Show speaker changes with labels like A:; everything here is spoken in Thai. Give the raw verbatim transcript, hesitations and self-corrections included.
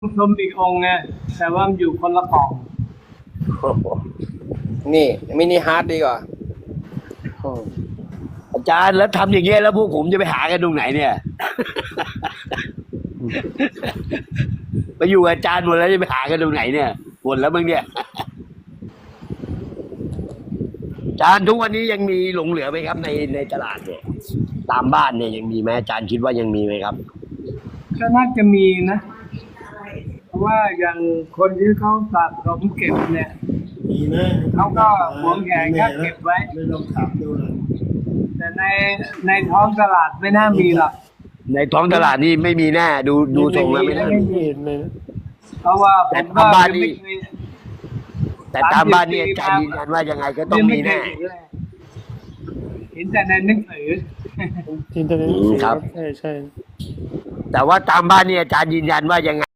A: ชมอีกองค์ไงแต่ว่ามันอยู่คนละกล่อง
B: โอ้โหนี่มินิฮาร์ดดีกว่า
C: อาจารย์แล้วทำอย่างเงี้ยแล้วพวกผมจะไปหากันตรงไหนเนี่ย ไปอยู่กับอาจารย์หมดแล้วจะไปหากันตรงไหนเนี่ยหมดแล้วมึงเนี่ย อาจารย์ทุกวันนี้ยังมีหลงเหลือไหมครับในในตลาดเนี่ยตามบ้านเนี่ยยังมีไหมอาจารย์คิดว่ายังมีไหมครับ
A: ก็น่าจะมีนะ เพราะว่าอย่างคนที่เขาสะสมเก็บเนี่ย
D: มีนะ
A: เขาก็หวงแหนก็เก็บไว้
D: ไม่ลองถามดูเลย
A: แต่ในในท้องตลาดไม่น่ามีหรอก
C: ในท้องตลาดนี่ไม่มีแน่ดูดูทรงแล้วไม่น่า
A: ไม่
C: มี
A: มี
D: เห็นเลยนะ
A: เพราะว่าผ
C: แต่
A: มก็
C: ตามบ้านนี่
A: ไม่เคย
C: แต่ตามบ้านเนี่ยอาจารย์ยืนยันว่ายังไงก็ต้องมีแน่
A: ไเคยเห็นเลยเห็นแต่ในหนังสือ
D: อินเทอร์เน็ต
C: อืมครับ
D: ใช่ใช่
C: แต่ว่าตามบ้านเนี่ยอาจารย์ยืนยันว่ายังไง